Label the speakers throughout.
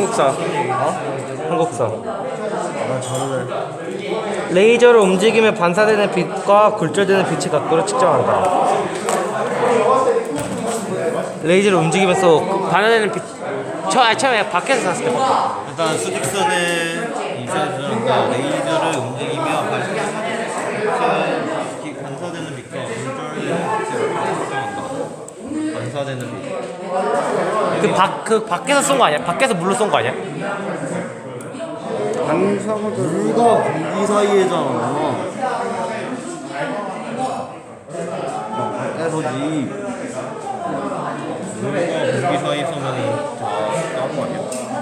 Speaker 1: 한국사. 한국사.
Speaker 2: 난 잘하네.
Speaker 1: 레이저를 움직이며 반사되는 빛과 굴절되는 빛의 각도를 측정한다. 레이저를 움직이면서 반사되는 빛. 처음에 밖에서 샀을 때.
Speaker 2: 일단 수직선에 이선수는 레이저를 움직이며 반사되는 빛과 굴절되는 반사되는 빛.
Speaker 1: 그 밖에서 쏜 거 아니야? 밖에서 물로 쏜 거 아니야?
Speaker 2: 물과 공기 사이에잖아. 밖에서지. 물과 공기 사이에서는 나온 거 아니야?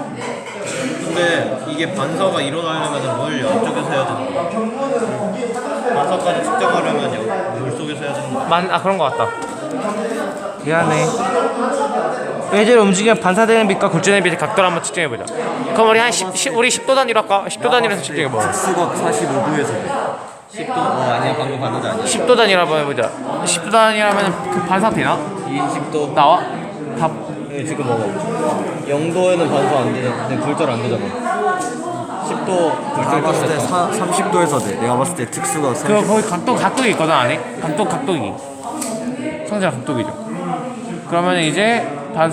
Speaker 2: 근데 이게 반사가 일어나려면 물 양쪽에서 해야 되는 거야. 반사까지 측정하려면 물 속에서 해야 되는 거야.
Speaker 1: 그런 거 같다. 미안해. 레이저를 움직이면 반사되는 빛과 굴절되는 빛의 각도를 한번 측정해보자. 그럼 우리 우리 10도 단위로 할까? 10도 단위로 해서 측정해봐.
Speaker 2: 수각 45도에서 10도? 아니야, 방금 반사자 아니야.
Speaker 1: 10도 단위로 한번 해보자. 10도 단위라면 그 반사 되나?
Speaker 2: 20도
Speaker 1: 나와? 답.
Speaker 2: 지금 먹어. 0도에는 반사 안 돼. 근데 굴절 안 되잖아. 10도 내가 봤을 때 30도에서 돼. 내가 봤을 때 특수가 30도.
Speaker 1: 거기 각도기 있거든 안에. 각도기. 성질 각도기죠. 그러면 이제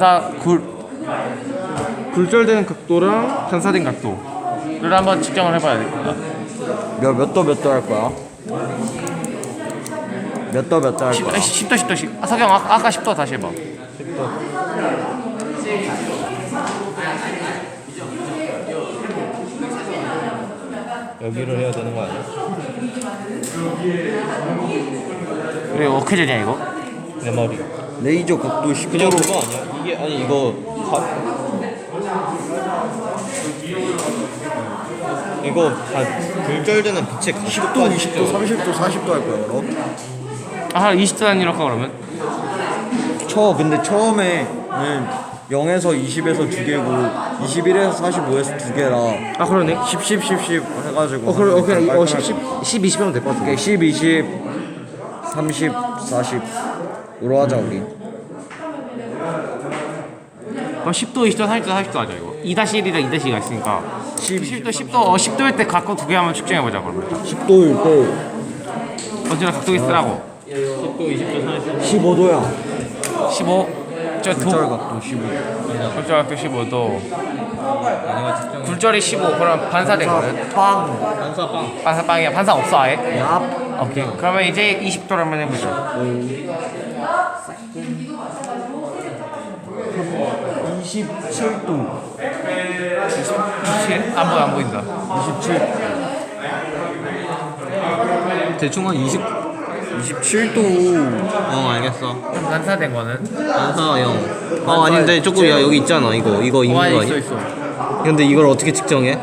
Speaker 1: 굴절되는 각도랑 반사된 각도를 한번 측정을 해봐야 되겠다.
Speaker 2: 몇 도 할 거야? 몇 도 할 거야?
Speaker 1: 10도. 석영 아까 10도 다시 해봐.
Speaker 2: 10도. 여기를 해야 되는 거 아니야?
Speaker 1: 그래 어떻게 되냐 이거?
Speaker 2: 내 머리. 레이저 각도 10도. 그냥 그거 아니야? 이게 아니 이거 이거 다 굴절되는 빛의 각도 10도, 20도, 30도, 40도 할 거야 그럼?
Speaker 1: 20도 단위로 할까 그러면?
Speaker 2: 근데 처음에는 0에서 20에서 2개고 21에서 45에서 2개라
Speaker 1: 그러네.
Speaker 2: 10 해가지고
Speaker 1: 오케이. 10, 20이면 될 것 같아.
Speaker 2: 10, 20, 30, 40으로 하자 우리.
Speaker 1: 10도, 20도, 30도, 40도 하자 이거. 2-1이랑 2-2가 있으니까 10도 10도일 때 각도 두 개 한번 측정해보자 그러면.
Speaker 2: 10도일 때
Speaker 1: 언제나 각도기 쓰라고.
Speaker 2: 10도, 20도, 30도 15도야
Speaker 1: 15.
Speaker 2: 굴절 각도 15.
Speaker 1: 굴절 각도 15도. 굴절이 15. 그럼 반사된 거는? 반사 빵이야. 반사 없어 아예?
Speaker 2: 얍.
Speaker 1: 오케이. 그러면 이제 20도를 한번 해보자.
Speaker 2: 27도
Speaker 1: 27? 안 보인다.
Speaker 2: 27 대충 한 27도. 알겠어.
Speaker 1: 그럼 반사된 거는?
Speaker 2: 반사 0. 아닌데 조금 여기 있잖아. 이거 있는 거 아니야?
Speaker 1: 있어.
Speaker 2: 근데 이걸 어떻게 측정해?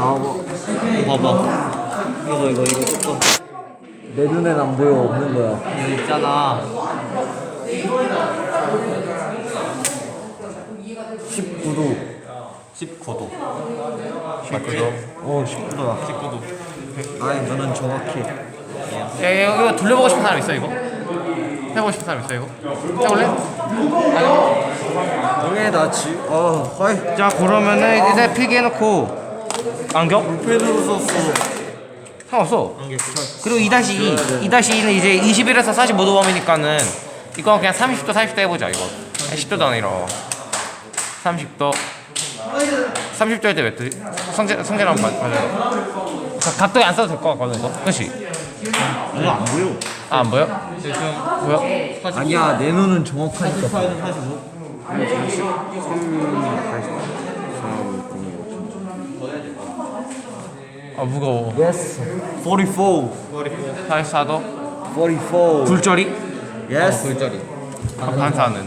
Speaker 2: 봐봐. 이거 조금 내 눈엔 안 보여. 없는 거야. 여기 있잖아. 19도. 19도. 19도야. 19도. 아니 너는 정확히.
Speaker 1: 이거 돌려보고 싶은 사람 있어 이거? 해보고 싶은 사람 있어 이거? 해볼래?
Speaker 2: 형에 나지. 허이.
Speaker 1: 자 그러면은 이제 필기해놓고 안경?
Speaker 2: 펜으로 썼어.
Speaker 1: 상관없어. 그리고 2-2 2-2는 이제 21에서 45도 범위니까는 이거 그냥 30도 40도 해보자 이거. 10도 단위로 30도 30도 할 때 몇 도지? 성질 한번 봐줘. 각도에 안 써도 될 것 같거든 이거. 그치?
Speaker 2: 이거 안 보여.
Speaker 1: 안 보여? 보여?
Speaker 2: 아니야 내 눈은 정확하니까. 45.
Speaker 1: 무거워.
Speaker 2: Yes. 44.
Speaker 1: 44도
Speaker 2: 44.
Speaker 1: 굴절이?
Speaker 2: Yes. 굴절이.
Speaker 1: 반사는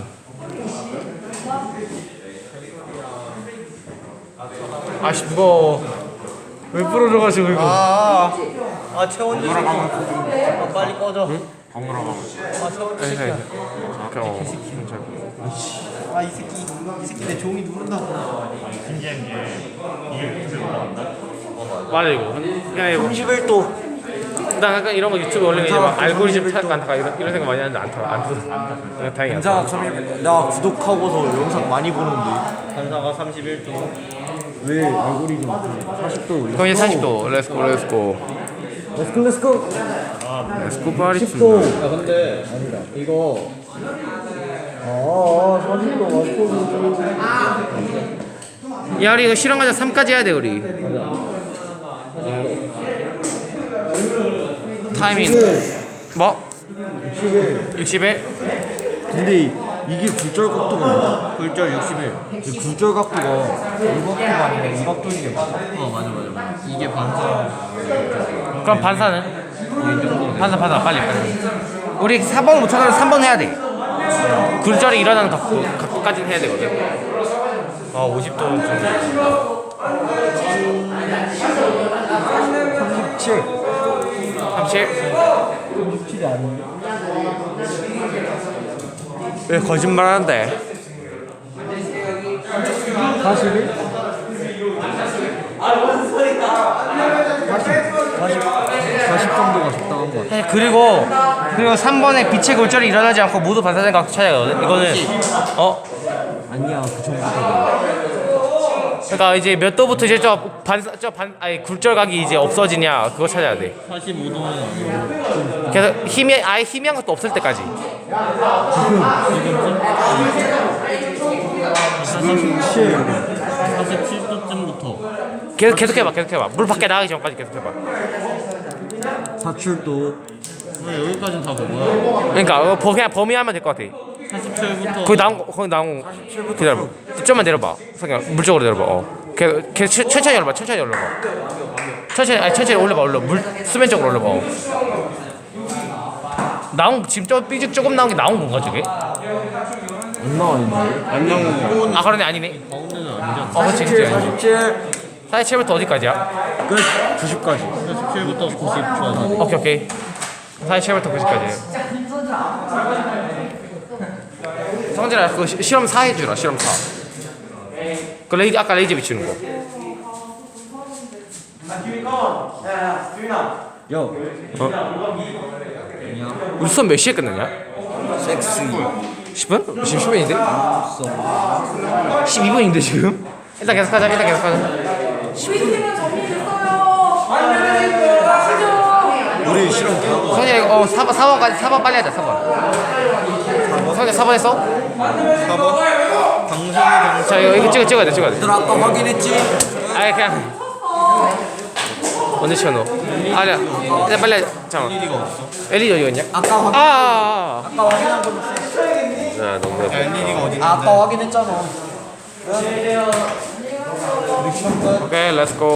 Speaker 1: 아씨 무거워. 왜 부러져가지고 이거.
Speaker 2: 채원이 빨리 꺼져. 응? 이 새끼 내 종이 누른다.
Speaker 1: 맞아 이거. 그냥 이거
Speaker 2: 31도.
Speaker 1: 나 약간 이런 거 유튜브 올리면 이제 막 알고리즘 탈까 안 탈까 이런 생각 많이 하는데 안 타. 다행이야.
Speaker 3: 반사각 31. 나 구독하고서 영상 많이 보는데
Speaker 2: 반사가 31도.
Speaker 3: 왜 알고리즘 40도
Speaker 1: 그럼 이제 40도. 렛츠고.
Speaker 3: 렛츠고
Speaker 1: 렛츠고 파리
Speaker 3: 10도
Speaker 2: 야 근데
Speaker 3: 아니다
Speaker 2: 이거
Speaker 3: 40도 맞춰주지
Speaker 1: 야 우리 이거 실험 과제 3까지 해야 돼 우리. 타이밍 뭐? 61?
Speaker 3: 근데 이게 굴절 각도가 뭐야?
Speaker 2: 굴절 61.
Speaker 3: 이 굴절 각도가 이 각도가 아니라 이 각도인 게 맞아?
Speaker 2: 맞아. 이게 반사.
Speaker 1: 그럼 반사는? 반사 빨리. 우리 4번 못하면 3번 해야 돼. 굴절이 일어나는 각도까지는 해야 되거든. 아 50도 정도.
Speaker 3: 37
Speaker 1: 37?
Speaker 3: 37이 아닌데?
Speaker 1: 왜 거짓말하는데?
Speaker 3: 41? 40 정도가 적당한 것 같아
Speaker 1: 사실 그리고 3번에 빛의 굴절이 일어나지 않고 모두 반사된 각도 찾아야 하거든. 이거는
Speaker 3: 아니야 그 정도가
Speaker 1: 그러니까 이제 몇 도부터 이제 아니 굴절각이 이제 없어지냐 그거 찾아야 돼.
Speaker 2: 45도는
Speaker 1: 그래서 아예 희미한 것도 없을 때까지.
Speaker 2: 47도쯤부터.
Speaker 1: 계속 해봐. 물 밖에 나가기 전까지 계속 해봐.
Speaker 3: 사출도
Speaker 2: 여기까지는 다 그거야.
Speaker 1: 그러니까 그냥 범위하면 될 것 같아.
Speaker 2: 47부터.
Speaker 1: 거기 나온 거 기다려봐. 좀만 내려봐. 그냥 물쪽으로 내려봐. 계속 천천히 올려봐. 천천히 올려봐. 물 수면 쪽으로 올려봐. 나온 지금 조금 나온 게 나온 건가 저게?
Speaker 3: 안 나와 있는데?
Speaker 2: 안 나오는 거.
Speaker 1: 아 그러네 아니네.
Speaker 2: 가운데는 아니잖아.
Speaker 1: 그렇지.
Speaker 3: 47
Speaker 1: 47부터 어디까지야?
Speaker 3: 끝 90까지
Speaker 2: 47부터 90 좋아.
Speaker 1: 오케이. 47부터 90까지. 성진아 그 실험 4 해주라. 실험 4. 그 아까 레이저 비추는 거.
Speaker 3: 야
Speaker 1: 우리 수업 몇 시에 끝났냐?
Speaker 3: 섹시
Speaker 1: 10분? 지금 10분인데? 12분인데 지금? 일단 계속하자.
Speaker 4: 12팀은 정리됐어요.
Speaker 3: 우리 실험 다 하고
Speaker 1: 성진아 이거 4번까지 4번 빨리 하자. 4번. 성진아 4번 했어?
Speaker 2: 4번. 방송이
Speaker 1: 자 이거 찍어야 돼.
Speaker 3: 얘들아 아까 확인했지?
Speaker 1: 아니 그냥 언제 치워 너? 아니야. 일단 빨리 하자. 잠깐만.
Speaker 2: LED가 없어.
Speaker 1: LED 어디 갔냐?
Speaker 3: 아까 확인 아까 확인한 거
Speaker 1: 야 너무
Speaker 2: 야, LED가 어디
Speaker 3: 아까 확인했잖아
Speaker 1: 오케이 렛츠고.